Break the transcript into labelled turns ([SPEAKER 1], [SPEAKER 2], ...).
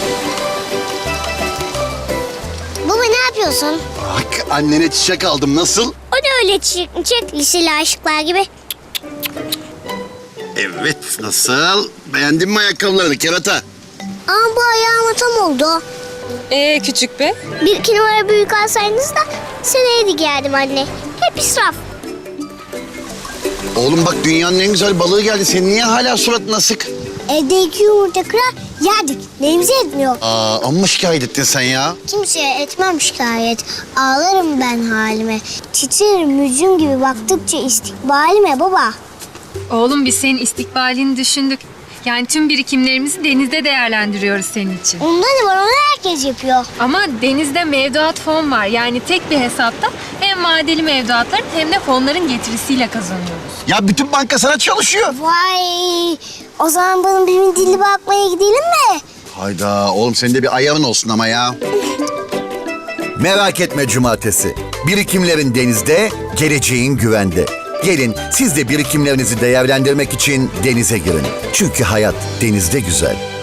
[SPEAKER 1] Baba ne yapıyorsun?
[SPEAKER 2] Bak annene çiçek aldım, nasıl?
[SPEAKER 1] O ne öyle çiçek liseli aşıklar gibi?
[SPEAKER 2] Evet, nasıl? Beğendin mi ayakkabılarını kerata?
[SPEAKER 1] Ama bu ayağıma tam oldu.
[SPEAKER 3] Küçük be.
[SPEAKER 1] Bir iki numara büyük alsaydınız da seneye de giyerdim anne. Hep israf.
[SPEAKER 2] Oğlum bak, dünyanın en güzel balığı geldi. Senin niye hala suratın asık?
[SPEAKER 1] Evde 2 yumurta kırar yerdik. Neyimize etmiyor.
[SPEAKER 2] Amma şikayet ettin sen ya.
[SPEAKER 1] Kimseye etmem şikayet. Ağlarım ben halime. Titrerim mücüm gibi baktıkça istikbalime baba.
[SPEAKER 3] Oğlum biz senin istikbalini düşündük. Yani tüm birikimlerimizi denizde değerlendiriyoruz senin için.
[SPEAKER 1] Onda ne var, onu herkes yapıyor.
[SPEAKER 3] Ama denizde mevduat fon var. Yani tek bir hesapta hem vadeli mevduatların hem de fonların getirisiyle kazanıyoruz.
[SPEAKER 2] Ya bütün banka sana çalışıyor.
[SPEAKER 1] Vay, o zaman bunun bir dilli bakmaya gidelim mi?
[SPEAKER 2] Hayda oğlum, senin de bir ayarın olsun ama ya.
[SPEAKER 4] Merak etme cumartesi. Birikimlerin denizde, geleceğin güvende. Gelin siz de birikimlerinizi değerlendirmek için denize girin. Çünkü hayat denizde güzel.